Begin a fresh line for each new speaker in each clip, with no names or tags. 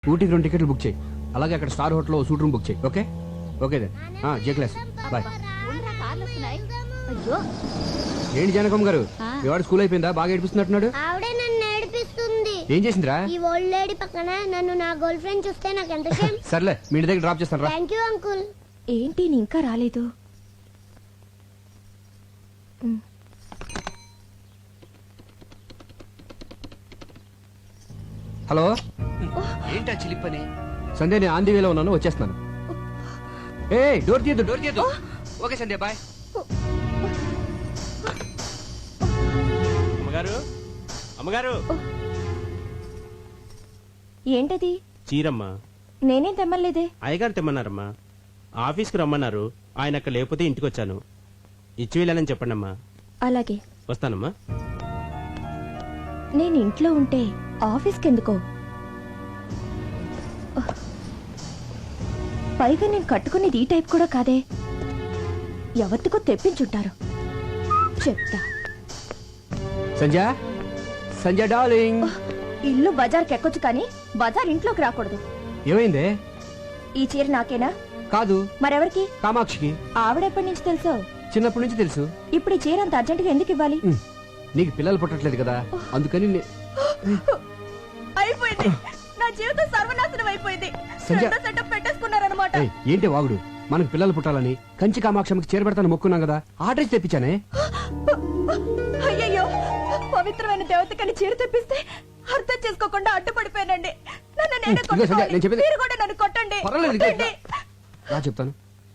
ఊటీకి 2 టికెట్లు బుక్ చేయి. అలాగే అక్కడ స్టార్ హోటల్లో సూట్ రూమ్ బుక్ చేయి. Okay okay then. J class bye. ఏంటి జానకమ్మ గారు, మీ వాడు స్కూల్ అయిపోయిందా? బాగా ఏడిపిస్తున్నట్టున్నాడు.
ఆవిడే నన్ను ఏడిపిస్తుంది.
ఏం చేసిందిరా?
ఈ ఓల్డ్ లేడీ పక్కన నన్ను నా గర్ల్ ఫ్రెండ్ చూస్తే నాకు ఎంత షేమ్.
సర్లే మీ ఇంటి దగ్గర డ్రాప్ చేస్తాను రా.
Thank you uncle.
ఏంటి నీ ఇంకా రాలేదు?
హలో, ఏంటా చిలిపని? సంధ్య, నేను ఆంధీ వేలో ఉన్నాను, వచ్చేస్తున్నాను. ఏ డోర్ తీయద్దు, డోర్ తీయద్దు. Okay Sandhya bye.
అమ్మగారు, అమ్మగారు.
ఏంటది?
చీరమ్మా.
నేనేం తెమ్మలేదే.
అయ్యగారు తెమ్మన్నారమ్మా. ఆఫీస్కి రమ్మన్నారు, ఆయన అక్కడ లేకపోతే ఇంటికి వచ్చాను. ఇచ్చి వెళ్ళానని చెప్పండమ్మా.
అలాగే
వస్తానమ్మా.
నేను ఇంట్లో ఉంటే ఆఫీస్కి ఎందుకో? పైగా నేను కట్టుకునేది ఈ టైప్ కూడా కాదే. ఎవరికో తెప్పించుంటారు, చెప్తా.
సంధ్య, సంధ్య డార్లింగ్.
ఇల్లు బజార్కి ఎక్కొచ్చు కానీ బజార్ ఇంట్లోకి రాకూడదు.
ఏమైందే?
ఈ చీర నాకేనా?
కాదు,
మరెవరికి?
కామాక్షికి.
ఆవిడెప్పటి నుంచి తెలుసో?
చిన్నప్పటి నుంచి తెలుసు.
ఇప్పుడు ఈ చీర అంత అర్జెంటుగా ఎందుకు ఇవ్వాలి?
నీకు పిల్లలు పుట్టట్లేదు కదా, అందుకని
అయిపోయింది, నా జీవితం సర్వనాశనం అయిపోయింది. సెటప్ పెట్టేసుకున్నారన్నమాట.
ఏంటి వాగుడు? మనకు పిల్లలు పుట్టాలని కంచి కామాక్షమికి చేరబెడతాను మొక్కున్నాం కదా, ఆర్డర్ తెప్పించానే.
అయ్యయ్యో, పవిత్రమైన దేవతకని చీర తెప్పిస్తే అర్థం చేసుకోకుండా అడ్డుపడిపోయానండి. నన్ను నేనే కొట్టుకోవాలి. మీరు కూడా నన్ను కొట్టండి.
రా చెప్తాను.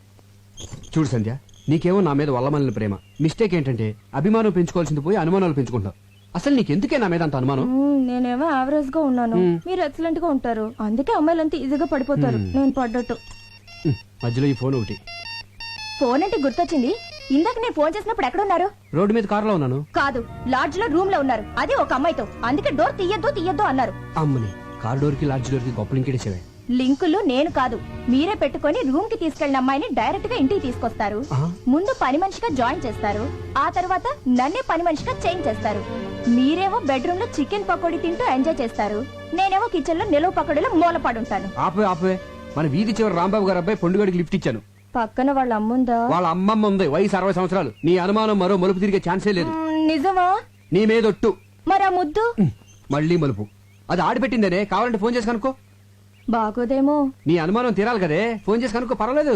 చూడు సంధ్య, నీకేమో నా మీద వల్లమల్లిన ప్రేమ. మిస్టేక్ ఏంటంటే అభిమానం పెంచుకోవాల్సింది పోయి అనుమానాలు పెంచుకుంటావు. అసలు నీకెందుకే నా మీద అంత అనుమానం?
నేనేమో యావరేజ్ గా ఉన్నాను, మీరు ఎక్సలెంట్ గా ఉంటారు. అందుకే అమ్మాయిలంతా ఈజీగా పడిపోతారు, నేను పడ్డట్టు.
మధ్యలో ఈ ఫోన్ ఒకటి.
ఫోన్ అంటే గుర్తొచ్చింది. ఇందాక నేను ఫోన్ చేసినప్పుడు ఎక్కడున్నారు?
రోడ్డు మీద కారులో ఉన్నాను.
కాదు, లాడ్జ్ లో రూమ్ లో ఉన్నారు, అది ఒక అమ్మాయితో. అందుకే డోర్ తీయద్దు తీయద్దు అన్నారు.
అమ్మని, కార్ డోర్ కి లాడ్జ్ డోర్ కి గొప్ప లింకేసేవే.
లింకులు నేను కాదు, మీరే పెట్టుకొని రూమ్ కి తీసుకెళ్లిన అమ్మాయిని డైరెక్ట్ గా ఇంటికి తీసుకొస్తారు. ముందు పని మనిషిగా జాయిన్ చేస్తారు, ఆ తర్వాత నన్నే పని మనిషిగా చేంజ్ చేస్తారు. మీరేమో బెడ్రూమ్ లో చికెన్ పకోడీ తింటూ ఎంజాయ్ చేస్తారు, నేనేమో కిచెన్ లో నిలువ పకోడీలో మూలపడుంటాను.
ఆపే ఆపే, మన వీధి చివరి రాంబాబు గారు అబ్బాయి పొండుగడికి లిఫ్ట్ ఇచ్చాను.
పక్కన వాళ్ళ అమ్ముందా?
వాళ్ళ అమ్మమ్మ ఉంది, వయసు 60 సంవత్సరాలు. నీ అనుమానం మరో మలుపు తిరిగే ఛాన్సే లేదు.
నిజమా?
నీ మీదొట్టు.
మరి ఆ ముద్దు?
మళ్ళీ మలుపు. అది ఆడిపెట్టిందనే, కావాలంటే ఫోన్ చేసి కనుక్కో.
బాగోదేమో.
నీ అనుమానం తీరాలి కదే, ఫోన్ చేసి కనుక్కో, పర్వాలేదు.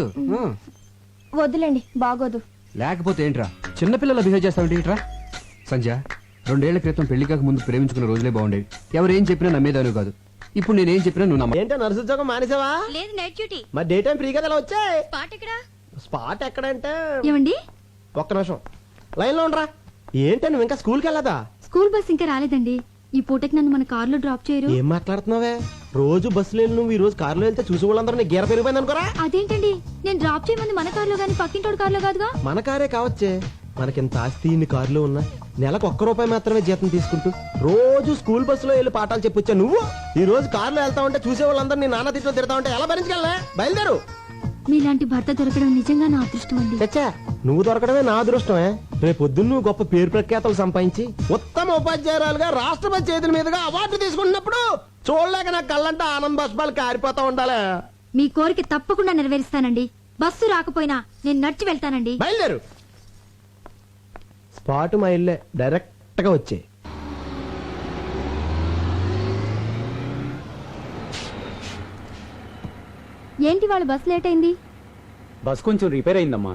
వద్దులేండి, బాగోదు.
లేకపోతే ఏంట్రా చిన్నపిల్లలు బిహేవ్ చేస్తావు ఏంట్రా? సంధ్య, 2 ఏళ్ల క్రితం పెళ్లి కాక ముందు ప్రేమించుకున్న రోజులే బాగుండేవి. ఎవరేం చెప్పినా నమ్మేదాను కాదు. ఇప్పుడు నేనేం చెప్పినా నువ్వు నమ్మ.
ఏంటో నర్సు ఉద్యోగం మానేసావా?
లేదు, నైట్ డ్యూటీ.
మరి డే టైం ఫ్రీగా ఎలా వచ్చాయి?
స్పాట్ ఎక్కడా?
స్పాట్ ఎక్కడంటే
ఏమండి,
ఒక్క నిమిషం లైన్ లో ఉండరా. ఏంటో నువ్వు ఇంకా స్కూల్కి వెళ్ళదా?
స్కూల్ బస్ ఇంకా రాలేదండి. ఈ పూటకి నన్ను మన కార్ లో డ్రాప్ చేయరు.
ఏం మాట్లాడుతున్నావే? రోజు బస్సులో వెళ్ళి నువ్వు ఈ రోజు కారులో వెళ్తే చూసి వాళ్ళందరూ నీ గీర పెరిగిపోయింది అనుకోరా.
అదేంటండి, నేను డ్రాప్ చేయమంది మన కార్ లో గానీ పక్కింటోడు కార్ లో కాదుగా.
మన కారే కావచ్చే, మనకింత ఆస్తి ఇన్ని కారులో ఉన్నా నెలకు ₹1 మాత్రమే జీతం తీసుకుంటూ రోజు స్కూల్ బస్సులో వెళ్ళి పాఠాలు చెప్పొచ్చా నువ్వు? ఈ రోజు కారులో వెళ్తా ఉంటే చూసే వాళ్ళందరూ నీ నాన్న తిట్లో తిడతా ఉంటే ఎలా భరించగలనే? బయలుదేరు.
మీలాంటి భర్త దొరకడం నిజంగా నా అదృష్టం అండి.
చచ్చా, నువ్వు దొరకడమే నా అదృష్టమే. రేపొద్దున్న నువ్వు గొప్ప పేరు ప్రఖ్యాతలు సంపాదించి ఉత్తమ ఉపాధ్యాయురాలుగా రాష్ట్రపతి చేతుల మీదుగా అవార్డు తీసుకున్నప్పుడు చూడలేక నా కళ్ళంటే ఆనంద బాష్పాలు కారిపోతా ఉండాలి.
మీ కోరిక తప్పకుండా నెరవేరుస్తానండి. బస్సు రాకపోయినా నేను నడిచి వెళ్తానండి.
బయలుదేరు. స్పాట్ మా ఇల్లే, డైరెక్ట్ గా వచ్చే.
ఏంటి వాళ్ళ బస్ లేట్ అయింది?
బస్ కొంచెం రిపేర్ అయిందమ్మా.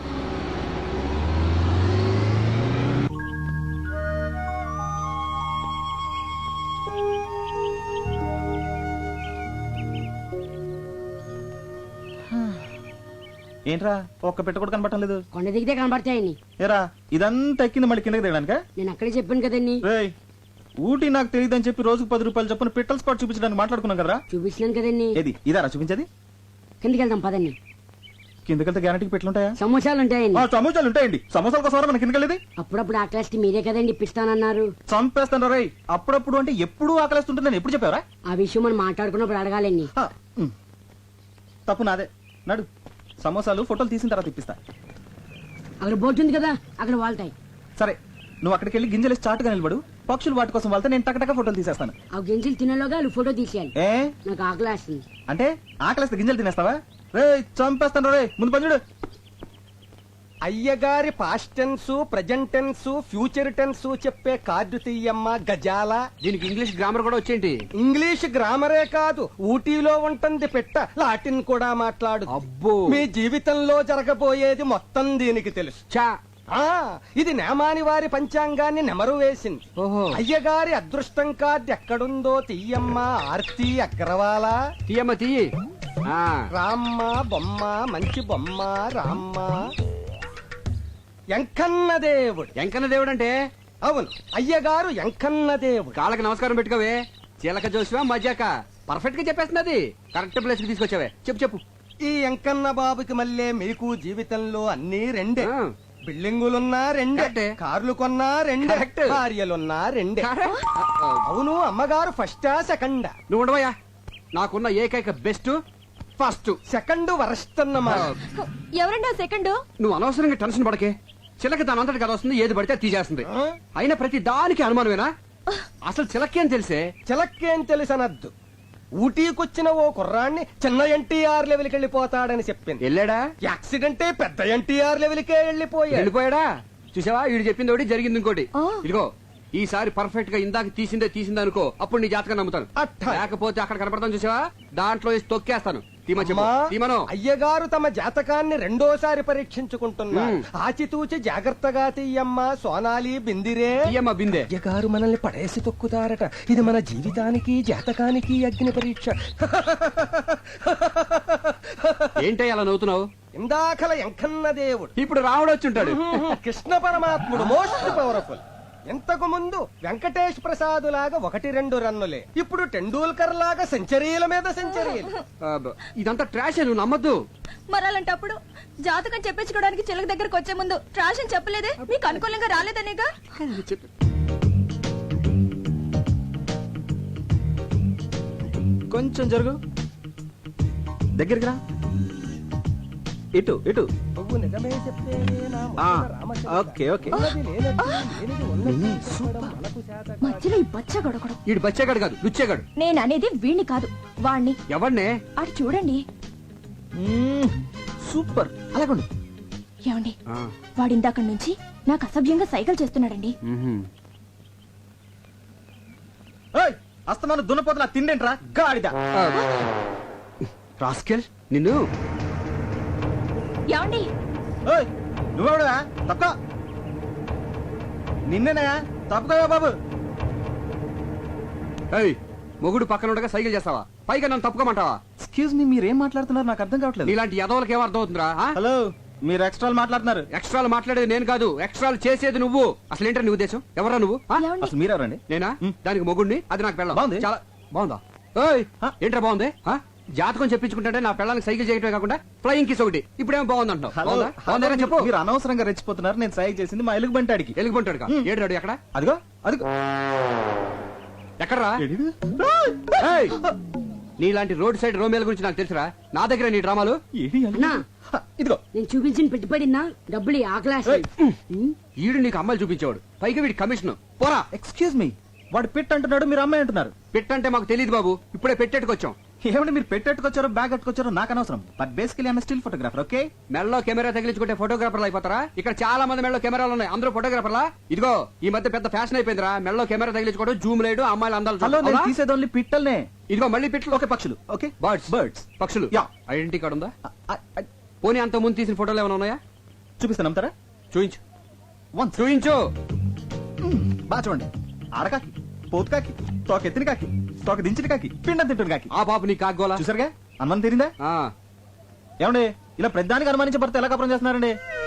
ఏంట్రా ఒక్క పెట్ట కూడా కనబడటం లేదు?
కొండ దిగితే కనబడతాయని.
ఏరా ఇదంతా ఎక్కింది మళ్ళీ కిందకి దిగడానిక?
నేను అక్కడే చెప్పాను కదండి.
ఊటీ నాకు తెలియదని చెప్పి రోజుకు ₹10 చొప్పున పిట్టల్ స్పాట్ చూపించడానికి మాట్లాడుకున్నాం కదరా.
చూపించినాను కదండి.
ఏది ఇదారా చూపించేది?
కిందకి వెళ్దాం పదండి.
కిందకెళ్తే గ్యారంటీకి పెట్లుంటాయా?
సమోసాలు ఉంటాయండి.
సమోసాలు ఉంటాయండి. సమోసాల కోసం మన కిందకెళ్ళేది?
అప్పుడప్పుడు ఆకలిస్తే మీరే కదండి ఇప్పిస్తానన్నారు.
చంపేస్తాను రై. అప్పుడప్పుడు అంటే ఎప్పుడు ఆకలిస్తుంటే నేను ఎప్పుడు చెప్పావరా?
ఆ విషయం మనం మాట్లాడుకున్నప్పుడు అడగాలండి.
తప్పు నాదే. నడు, సమోసాలు ఫోటోలు తీసిన తర్వాత ఇప్పిస్తా.
అక్కడ బోర్డు ఉంది కదా, అక్కడ వాళ్తాయి.
సరే, నువ్వు అక్కడికి వెళ్ళి గింజలు చాటుగా నిలబడు, పక్షులు వాటి కోసం వెళ్తే నేను టకటక ఫోటోలు తీసేస్తాను.
ఆ గింజలు తినేలోగా వాళ్ళు ఫోటో తీసేయాలి.
ఏ
నాకు ఆకలేస్తుంది.
అంటే ఆకలిస్తే గింజలు తినేస్తావా? రే చంపేస్తాను రే, ముందు పని చూడు.
అయ్యగారి past tense, present tense, future tense చెప్పే కార్డు తీయమ్మ గజాల.
దీనికి ఇంగ్లీష్ గ్రామర్ కూడా వచ్చేంటి?
ఇంగ్లీష్ గ్రామరే కాదు, ఊటీలో ఉంటుంది పెట్ట, లాటిన్ కూడా మాట్లాడు.
అబ్బో.
మీ జీవితంలో జరగబోయేది మొత్తం దీనికి తెలుసు.
చా.
ఆ ఇది నేమాని వారి పంచాంగాన్ని నెమరు వేసింది.
ఓహో.
అయ్యగారి అదృష్టం కార్డు ఎక్కడుందో తీయమ్మ ఆర్తి అగ్రవాల.
తీయమ్మ తీయి. ఆ.
రామ్మ బొమ్మ, మంచి బొమ్మ రామ్మ. ఎంకన్న దేవుడు.
ఎంకన్న దేవుడు అంటే?
అవును, అయ్యగారు ఎంకన్న దేవుడు.
కాళ్ళకి నమస్కారం పెట్టుకోవే. చిలక జోసివా మజాక పర్ఫెక్ట్ గా చెప్పేస్తున్నది. కరెక్ట్ ప్లేస్ కి తీసుకొచ్చావే. చెప్పు చెప్పు.
ఈ ఎంకన్న బాబుకి మళ్ళీ మీకు జీవితంలో అన్ని రెండే.
ఆ.
బిల్డింగులున్నా రెండే,
కరెక్టే.
కార్లు కొన్నా రెండే,
కరెక్ట్.
భార్యలున్నా రెండే.
కరెక్ట్.
అవును, అమ్మగారు ఫస్టా సెకండా?
నువ్వు ఉండవయ్యా. నాకున్న ఏకైక బెస్ట్ ఫస్ట్.
సెకండ్ వరస్ట్ అన్నమాట.
ఎవరండి సెకండ్?
నువ్వు అనవసరంగా టెన్షన్ పడకే. చిలక దాని అంతటి కదా వస్తుంది, ఏది పడితే అది తీసేస్తుంది.
ఆ?
అయినా ప్రతి దానికి అనుమానమేనా? అసలు చిలకేం తెలిసే?
చిలక్కేం తెలుసనద్దు. ఊటీకొచ్చిన ఓ కుర్రాన్ని చిన్న ఎన్టీఆర్ లెవెల్కి వెళ్ళిపోతాడని చెప్పింది.
వెళ్ళాడా?
యాక్సిడెంటే పెద్ద ఎన్టీఆర్ లెవెల్కే వెళ్ళిపోయాడు.
వెళ్ళిపోయాడా? చూసావా, వీడు చెప్పింది ఒకటి జరిగింది ఇంకోటి.
ఆ.
ఇదిగో ఈసారి పర్ఫెక్ట్ గా ఇందాక తీసిందే అనుకో, అప్పుడు నీ జాతకం నమ్ముతాను.
అట్టా.
లేకపోతే అక్కడ కనపడతాను చూసావా, దాంట్లో వేసి తొక్కేస్తాను. తీమ చెప్పు.
అమ్మా,
తీమను.
అయ్యగారు తమ జాతకాన్ని రెండోసారి పరీక్షించుకుంటున్నారు. ఆచితూచి జాగ్రత్తగా తీయమ్మ సోనాలి బిందిరే.
తీయమ్మ బిందె.
అయ్యగారు మనల్ని పడేసి తొక్కుతారట. ఇది మన జీవితానికి జాతకానికి అగ్ని పరీక్ష.
ఏంటో అలా నవ్వుతున్నావు?
ఇందాకల ఎంకన్న దేవుడు,
ఇప్పుడు రాముడు వచ్చి ఉంటాడు.
కృష్ణ పరమాత్ముడు మోస్ట్ పవర్ఫుల్. ఇంతకు ముందు వెంకటేష్ ప్రసాద్ లాగా 1-2 రన్నులే, ఇప్పుడు టెండూల్కర్ లాగా సెంచరీల మీద సెంచరీలు.
ఇదంతా ట్రాష్, నువ్వు నమ్మద్దు.
మరి అలాంటప్పుడు జాతకం చెప్పించుకోవడానికి చిలక దగ్గరకు వచ్చే ముందు ట్రాష్ అని చెప్పలేదే? మీకు అనుకూలంగా రాలేదనేగా?
కొంచెం జరుగు, దగ్గరికి రా. ఇటు ఇటు.
నువ్వు నిజమే చెప్పేవే నా
ఆ,
మొదల రామచంద్ర.
Okay okay.
ఉన్నది లేనట్టు, లేనిది ఉన్నట్టు చెప్పడం మనకు చేత కాదు.
మధ్యలో ఈ బచ్చ గొడగడం.
వీడు బచ్చేగాడు కాదు, లుచ్చేగాడు.
నేను అనేది వీణ్ణి కాదు, వాణ్ణి.
ఎవరినే?
అటు చూడండి.
సూపర్, అలాగండు.
ఏమండి, వాడిందాక నుంచి నాకు అసభ్యంగా సైకిల్ చేస్తున్నాడండి.
ఏయ్, అస్తమాను దున్నపోతున్నా తిండేంట్రా గాడిద.
రాస్కెల్ నిన్ను.
ఏమండి,
ఏయ్, నువ్వెవడువా? తప్ప నిన్నేనా? తప్పుకోవా బాబు.
ఏయ్, మొగుడు పక్కన ఉండగా సైకిల్ చేస్తావా? పైగా నన్ను తప్పుకోమంటావా?
ఎక్స్క్యూజ్ మీ, మీరేం మాట్లాడుతున్నారు నాకు అర్థం కావట్లేదు.
నీలాంటి యదవులకి ఏం అర్థం అవుతుందిరా?
హలో, మీరు ఎక్స్ట్రాలు మాట్లాడుతున్నారు.
ఎక్స్ట్రాలు మాట్లాడేది నేను కాదు, ఎక్స్ట్రాలు చేసేది నువ్వు. అసలు ఏంటో నీ ఉద్దేశం? ఎవరా నువ్వు? ఆ?
ఏమండి?
అసలు మీరెవరండి?
నేనా? దానికి మొగుడిని, అది నాకు పెళ్ళం.
బాగుంది.
చాలా బాగుందా? ఏయ్,
ఆ?
ఏంట్రా బాగుంది? ఆ? జాతకం చెప్పించుకుంటే నా పెళ్ళానికి సైకిల్ చేయటమే కాకుండా ఫ్లయింగ్ కిస్ ఒకటి. ఇప్పుడేమో బాగుంది అంటావు.
హలో,
బాగుందా? బాగుందేనా చెప్పు.
మీరు అనవసరంగా రెచ్చిపోతున్నారు. నేను సైకి చేసింది మా ఎలుగు బంటాడికి.
ఎలుగుబంటాడు ఏడు ఎక్కడ?
అదిగో అదిగో.
ఎక్కడరా?
ఏడిది?
ఏయ్, నీలాంటి రోడ్ సైడ్ రోమేల గురించి నాకు తెలుసురా. నా దగ్గర నీ డ్రామాలు.
ఏడి అల్లుడు?
అన్నా.
హ, ఇదిగో.
నేను చూపించిన పెట్టుబడినా డబ్బులు ఆకలేస్తుంది.
ఈడు నీకు అమ్మాయిలు చూపించేవాడు, పైగా వీడి కమిషన్. పోరా.
ఎక్స్క్యూజ్ మీ, వాడు పిట్ అంటున్నాడు, మీరు అమ్మాయి అంటున్నారు.
పెట్టంటే మాకు తెలియదు బాబు, ఇప్పుడే పెట్టేట్టుకొచ్చాం.
ఏమంటే మీరు పెట్టెట్టుకొచ్చారో బ్యాగ్ కట్టుకొచ్చారో నాకు అనవసరం. But basically I'm still photographer. Okay,
మెడలో కెమెరా తగిలించుకుంటే ఫోటోగ్రాఫర్లు అయిపోతారా? ఇక్కడ చాలా మంది మెడలో కెమెరాలు ఉన్నాయి, అందరూ ఫోటోగ్రాఫర్లా? ఇదిగో ఈ మధ్య పెద్ద ఫ్యాషన్ అయిపోయిందిరా, మెడలో కెమెరా తగిలించుకోవడం, జూమ్ లేడు, అమ్మాయిలు అందాలు
హలో,
చూడడం.
నేను
అవునా?
తీసేది ఓన్లీ పిట్టల్నే.
ఇదిగో మళ్ళీ పిట్లు.
ఓకే, పక్షులు. Okay,
birds.
బర్డ్స్.
పక్షులు.
యా.
ఐడెంటిటీ కార్డు ఉందా? పోనీ అంత ముందు తీసిన ఫోటోలు ఏమైనా ఉన్నాయా?
చూపిస్తాను, నమ్ముతారా?
చూయించు.
వన్స్.
చూయించు.
బాగా చూడండి. ఆడకాకి, పోతు కాకి, తోక ఎత్తిన కాకి, తోక దించిన కాకి, పిండం తింటున్న కాకి.
ఆ పాప నీ కాగోలా.
చూసారుగా, అనుమానం తీరిందా?
ఆ.
ఏమండి, ఇలా ప్రతిదానికి అనుమానించే భర్త ఎలా కపరం చేస్తున్నారండి?